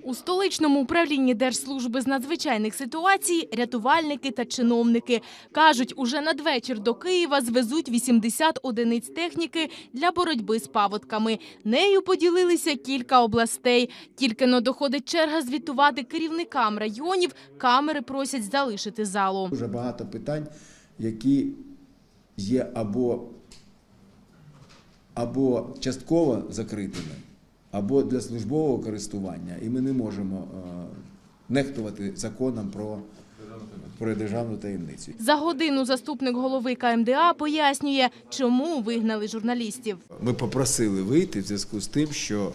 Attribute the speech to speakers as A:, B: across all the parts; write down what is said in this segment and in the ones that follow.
A: У столичному управлінні Держслужби з надзвичайних ситуацій рятувальники та чиновники. Кажуть, уже надвечір до Києва звезуть 80 одиниць техніки для боротьби з паводками. Нею поділилися кілька областей. Тільки-но доходить черга звітувати керівникам районів, камери просять залишити залу.
B: Дуже багато питань, які є або частково закритими, або для службового користування, і ми не можемо нехтувати законом про державну таємницю.
A: За годину заступник голови КМДА пояснює, чому вигнали журналістів.
B: Ми попросили вийти в зв'язку з тим, що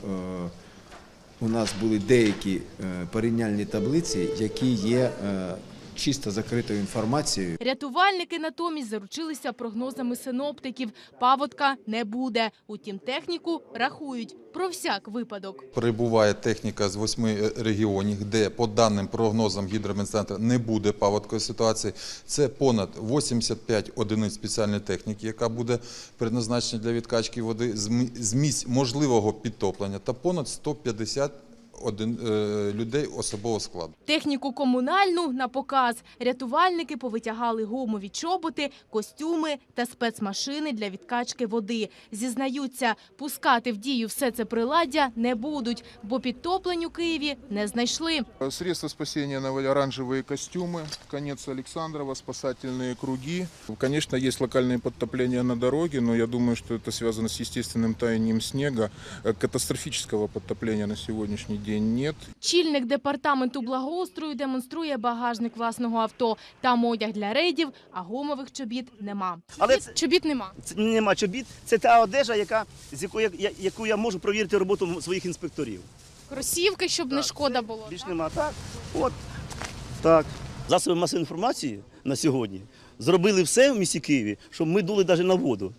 B: у нас були деякі порівняльні таблиці, які є чисто закритою інформацією.
A: Рятувальники натомість заручилися прогнозами синоптиків. Паводка не буде. Утім, техніку рахують про всяк випадок.
C: Прибуває техніка з 8 регіонів, де, по даним прогнозам Гідрометцентру, не буде паводкової ситуації. Це понад 85 одиниць спеціальної техніки, яка буде предназначена для відкачки води з місць можливого підтоплення, та понад 150 людей особового складу.
A: Техніку комунальну на показ. Рятувальники повитягали гумові чоботи, костюми та спецмашини для відкачки води. Зізнаються, пускати в дію все це приладдя не будуть, бо підтоплень у Києві не знайшли.
D: Средства спасения на оранжевые костюмы, конец Александрова, спасательные круги. Конечно, есть локальные подтопления на дороге, но я думаю, что это связано с естественным таянием снега. Катастрофического подтопления на сегодняшний день нет.
A: Чільник департаменту благоустрою демонструє багажник власного авто. Там одяг для рейдів, а гумових чобіт нема. Чобіт нема?
E: Нема чобіт. Це та одежа, яку я можу провірити роботу своїх інспекторів.
A: Кросівки, щоб не шкода було.
E: Більш нема. Так. От. Так. Засоби масової інформації на сьогодні зробили все в місті Києві, щоб ми дули навіть на воду.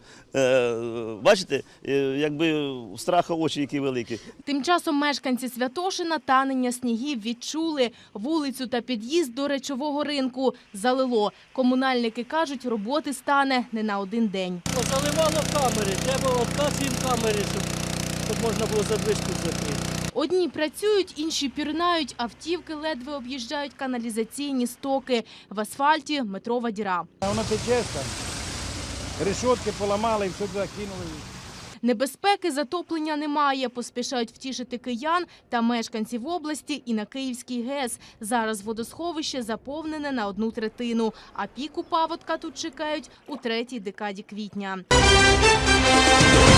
E: Бачите, якби страха очі які великі.
A: Тим часом мешканці Святошина танення снігів відчули. Вулицю та під'їзд до речового ринку залило. Комунальники кажуть, роботи стане не на один день.
F: Заливало камери, треба обказ їм камери, щоб можна було задвижку закрити.
A: Одні працюють, інші пірнають, автівки ледве об'їжджають каналізаційні стоки. В асфальті метрова діра.
G: Воно тече там, решетки поламали і все туди кинули.
A: Небезпеки затоплення немає, поспішають втішити киян та мешканців області і на Київський ГЕС. Зараз водосховище заповнене на 1/3, а піку паводка тут чекають у 3-й декаді квітня.